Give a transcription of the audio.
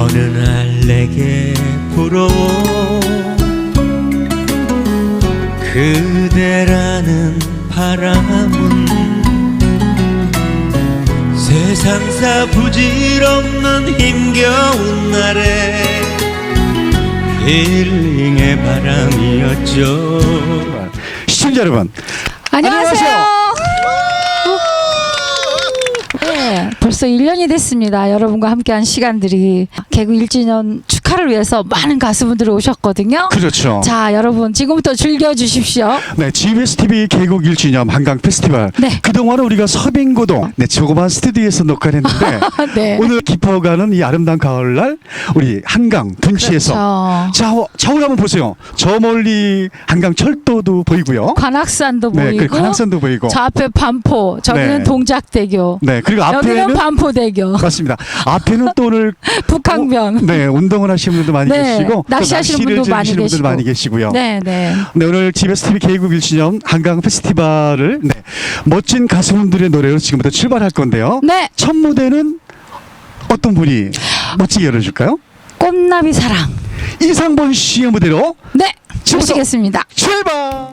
어느 날 내게 불어온 그대라는 바람은 세상사 부질없는 힘겨운 날에 힐링의 바람이었죠. 시청자 여러분, 안녕하세요. 네, 벌써 1년이 됐습니다. 여러분과 함께한 시간들이 개그 1주년 축하를 위해서 많은 가수분들이 오셨거든요. 그렇죠. 자, 여러분 지금부터 즐겨주십시오. 네, GBS TV 개국 1주년 한강 페스티벌. 네. 그동안은 우리가 서빙고동 조그만 스튜디오에서 녹화를 했는데 네. 오늘 깊어가는 이 아름다운 가을날 우리 한강 둔치에서 그렇죠. 좌우를 한번 보세요. 저 멀리 한강 철도도 보이고요. 관악산도 네, 보이고, 그리고 관악산도 보이고. 저 앞에 반포, 저기는 네. 동작대교, 네, 그리고 여기는 앞에는 반포대교, 맞습니다. 앞에는 또 오늘 북항변. 네, 운동을 하시는 분도 많이 네, 계시고 또 낚시하시는 낚시를 분도 많이 즐기시는 분들 계시고. 많이 계시고요. 네, 네. 네, 오늘 GBS TV 개국 1주년 한강 페스티벌을 멋진 가수분들의 노래로 지금부터 출발할 건데요. 네, 첫 무대는 어떤 분이 멋지게 열어줄까요? 꽃나비 사랑. 이상본 씨의 무대로 네, 지금부터 모시겠습니다. 출발!